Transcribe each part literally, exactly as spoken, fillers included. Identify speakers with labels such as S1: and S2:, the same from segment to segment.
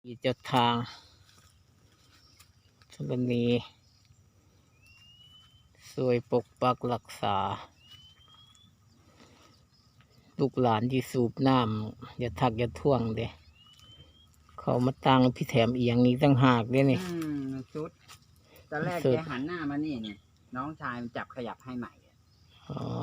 S1: มีเจ้าทางธรณีสวยปกปักรักษาลูกหลานที่สูบน้ำอย่าทักอย่าท่วงเด้เขามาตั้งพี่แถมเอียงนี้ตั้งหากเด้นี่
S2: อืมชุดตอนแรก
S1: สุ
S2: แก
S1: ด
S2: หันหน้ามานี่เนี่ยน้องชายมันจับขยับให้ใหม่
S1: อ๋อ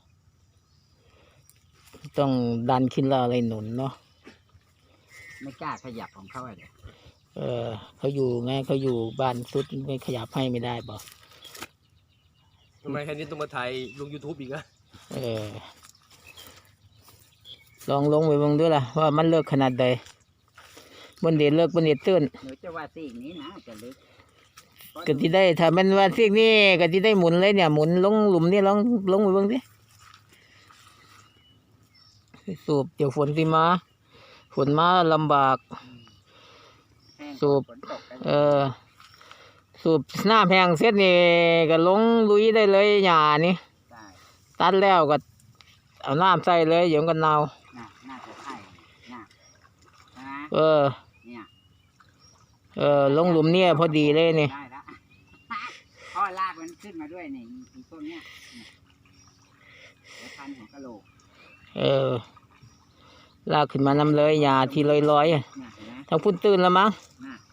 S1: ต้องดันขึ้นแล้วอะไรหนุนเนาะ
S2: ไม่กล้าขยับของเขาเลย
S1: เออเขาอยู่ไงเขาอยู่บ้านสุดไม่ขยับให้ไม่ได้บอก
S3: ทำไมแค่นี้ต้องมาถ่ายลง YouTube อีกอะ
S1: เออลองลงไปเบิ่งด้วยล่ะว่ามันเลิกขนาดใดบนเด็ดเลิกบนเด็ดตื้น
S2: หนูจะว่าซีกนี้นะจะลึก
S1: ก็ที่ได้ถ้ามันว่าซีกนี่ก็ที่ได้หมุนเลยเนี่ยหมุนลงหลุมนี่ลองลงไปเบิ่งดิสูบเดี๋ยวฝนสิมาฝนมาลำบาก
S2: แห้ง
S1: สูบ
S2: ฝนตกกัน
S1: เออสูบน้ำแห้งเสร็จนี่ก็ลงลุยได้เลยหญ้านี่
S2: ได้
S1: ตัดแล้วก็เอาน้ำใส่เลยเดี๋ยวมันก็เน่า
S2: น่าน่าจะใช่น่าใช่ไหม
S1: เออ
S2: เนี่ย
S1: เออลงหลุมเนี่ยพอดีเลยนี่
S2: ได้แล้วพ่อลากมันขึ้นมาด้วยนี่อีต้นเนี้ยเนี่ยเดี๋ยวพันของกะโหลก
S1: เออลากขึ้นมานำเลยหญ้าที่ลอยๆอะ
S2: เนี่ยเห็นไหม
S1: ทางพุ่นตื่นแล้วมั้ง
S2: น่ะ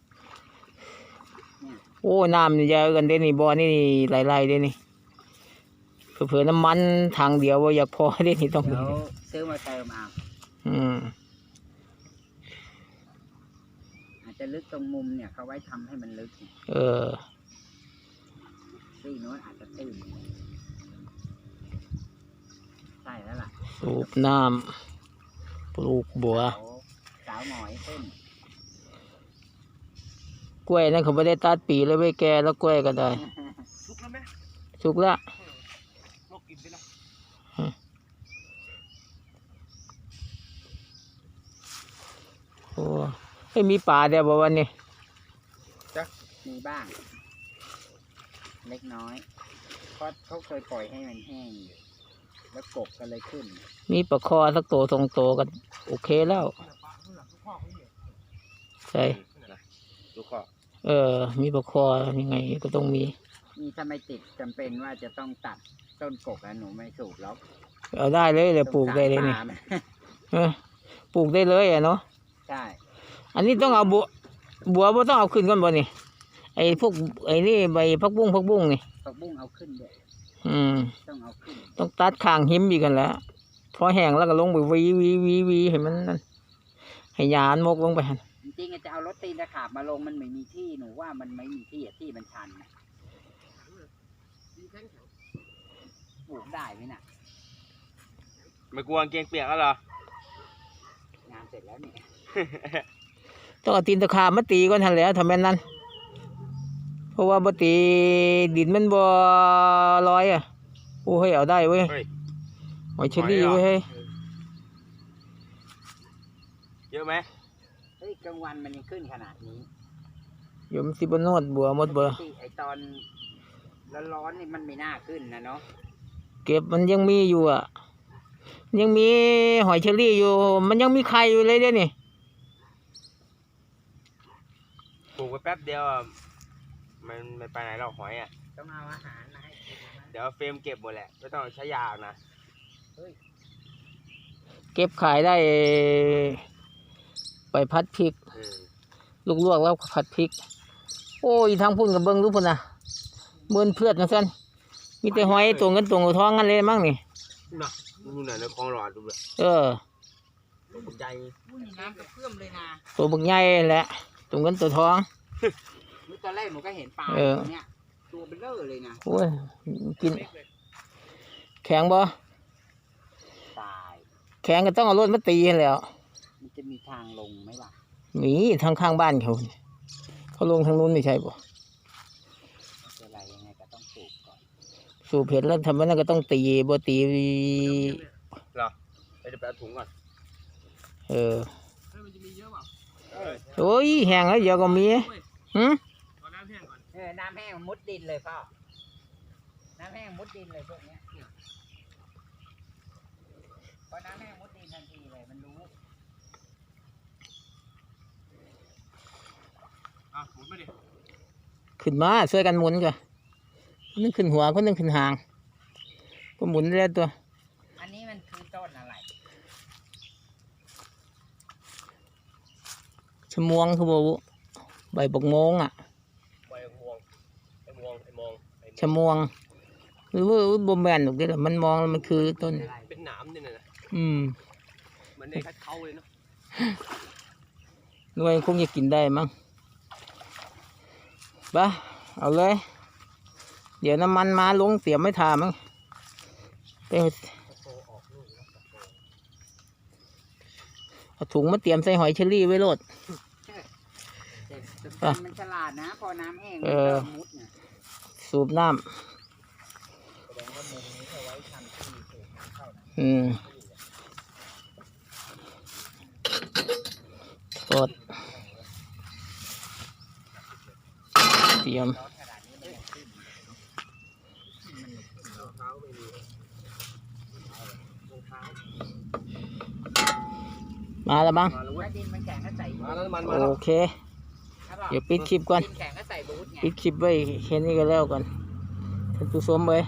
S2: เนี่ย
S1: โอ้น้ำนี่เยอะกันเด้นี่บ่อนี่ไหลๆเด้นี่เผื่อๆน้ำมันทางเดียวว่าอยากพอเด้นี่ต้อง
S2: เดี๋ยวซื้อมาเติมเอา
S1: อืม
S2: อาจจะลึกตรงมุมเนี่ยเขาไว้ทำให้มันลึกเนี่ย
S1: เออ
S2: ซีกโน้นอาจจะตื้นใช่แล้วล่ะ
S1: สูบน้ำปลูกบัว
S2: สาวสาวหมอยขึ้น
S1: กล้วยนั่นเขาไม่ได้ตัดปีเลยไว้แก่แล้วกล้วยก็ได้
S3: ลุกแล้วไหม
S1: สุกแล้ว
S3: ลกกินไปแล้ว
S1: โอ้ไม่มีป่าเดียวบ่วันนี้
S2: มีบ้าง เล็กน้อยเพราะเขาเคยปล่อยให้มันแห้งอยู่แล้วกบก็เลยขึ้น
S1: มีปลาคอสักโตสองโตก็โอเคแล้วใช่
S3: ลูกข้อ
S1: เออ มีปลาคอยังไงก็ต้องมี
S2: นี่ถ้าไม่ติดจำเป็นว่าจะต้องตัดต้นกกแล้วหนูไม่สูบแล้ว
S1: เอาได้เลยเลยปลูกได้เลยนี่
S2: สงสารปา
S1: เออปลูกได้เลยอ่ะเนาะ
S2: ใช่
S1: อันนี้ต้องเอาบัวบัวบ่ต้องเอาขึ้นก่อนบ่นี่ไอ้พวกไอ้นี่ใบพักบุ้งพักบุ้งนี่
S2: ผักบุ้งเอาขึ้นด้วย
S1: อืม
S2: ต้องเอาขึ้น
S1: ต้องตัดข้างหิมอีกกันแหล้วพอแห้งแล้วก็ลงไปวีวีวีวีให้มันนั่นให้ยานมกลงไปหั่น
S2: จริงๆจะเอารถตีนตะขาบมาลงมันไม่มีที่หนูว่ามันไม่มีที่อะที่มันชันนะปลูกได้ไหมน่ะ
S3: ไม่กลัวกางเกงเปียกแล้วเหรอ
S2: งานเสร็จแล้วเนี่ย
S1: ต้องเอาตีนตะขาบมาตีก่อนหั่นแหล้วทำแม่นนั่นเพราะว่าบ่ตีดินมันบ่ลอยอ่ะโอ้เฮ้ยเอาได้เว้ย
S3: เฮ้ย
S1: หอยเชอรี่เว้ยเฮ้ย
S3: เยอะไหม
S2: เฮ้ยกลางวันมันยังขึ้นขนาดนี้
S1: เดี๋ยวมันสิบ่นวดบัวหมดเบ่
S2: ปกติไอตอนร้อนๆนี่มันไม่น่าขึ้นนะเนาะ
S1: เก็บมันยังมีอยู่อ่ะ ยังมีหอยเชอรี่อยู่ มันยังมีไข่อยู่เลยเด้นี่
S3: ปลูกไปแป๊บเดียวอะมันไม่ไปไหนหรอกหอยอ่ะ
S2: ต้องเอาอาหารมาให้กินนะ
S3: เดี๋ยวเฟรมเก็บหมดแหละ ไม่ต้องใช้ยานะ
S1: เก็บขายได้ไปพัดพริก
S3: อืม
S1: ลูกลวกแล้วผัดพริก โอ้ยทางพุ่นกับเบิ้งรู้พุ่นนะเบิ้นเพื่อนนะเส้นมีแต่หอยตัวเงินตัวทองกันเลยมั้งนี่
S3: น่ะดูหน่อยในคลองหลอดดูเลย
S1: เออ
S3: ตัวใหญ่
S2: อุ้ยน้ำกระเพื่อมเลยนะ
S1: ตัวบักใหญ่แหละตัวเงินตัวทอง
S2: นี่ตอนแรกหนูก็เห็นปลา
S1: เออ
S2: ตัวเนี้ยตัวเบลอเลยนะ
S1: โอ้ยกิน แข็งบ่
S2: ตาย
S1: แข็งก็ต้องเอารถมาตีให้แหล้ว
S2: มันจะมีทางลงไหมวะ
S1: มีทางข้างบ้านเขาเขาลงทางนู้นไม่ใช่บ่
S2: จะอะไรยังไงก็ต้องปลูกก่อน
S1: สูบเห็ดแล้วทำไมนั่นก็ต้องตีบ่ตี
S3: เหรอเดี๋ยวไปเอาถุงก่อน
S1: เออ
S3: เฮ้ยมันจะมีเยอะเปล่า
S1: โอ้ยแห้งแล้วเดี๋ยวก็มีหึ
S3: เอาน้ำแห้งก่อน
S2: เออน้ำแห้งมันมุดดินเลยพ่อน้ำแห้งมุดดินเลยพวกเนี้ยพอน้ำแห้งมุดดินทันทีเลยมันรู้
S3: หมุนไปดิ
S1: ขึ้นมาช่วยกันหมุนก่อนคนหนึงขึ้นหัวคนหนึงขึ้นหาง ก็หมุนได้ตัว
S2: อันนี้มันคือต้นอะไร
S1: ชะมวงคือบ่บุใบบกโมงอ่ะ
S3: ไอ้มวงไอ้มวงไอ้มองไอ้
S1: ชะมวง หรือว่าบ่แม่นหรอกเด้อมันมองแล้วมันคือต้น
S3: เป็นหนามเนี่ยนะ
S1: อืม
S3: เหมือนในคัดเขาเลยเนาะ
S1: หน่วยคงจะกินได้มั้งไปะเอาเลย เดี๋ยวน้ำมันมาลงเตรียมไม่ทามั้งไปเอาถุงมาเตรียมใส่หอยเชอรี่ไว้โลด
S2: แต่มันฉลาดนะ พอน้ำแห้งมัน
S1: เออ
S2: ก็มุดเนี่ย
S1: สูบน้
S2: แสดงว่ามุมนี้เอาไว้ทำที่สูบน้ำเข้านะ
S1: ำอืมกดเตรียม
S2: ร้อนขนาดนี้มันยังขึ้น
S3: รองเท้าไม่มีรองเท้า
S1: มาแล้วบ้าง
S3: มาแล้วเว้
S2: ถ้าย ดินมันแข็งก็ใส่
S3: มาแล้วมันมาแล้ว
S1: โอเค
S2: ใช่ป่ะ
S1: เดี๋ยวปิดคลิปก่อน
S2: ดินแข็งก็ใส่บูทไง
S1: ปิดคลิปไว้แค่นี้ก็แล้วกันท่านผู้ชมเลย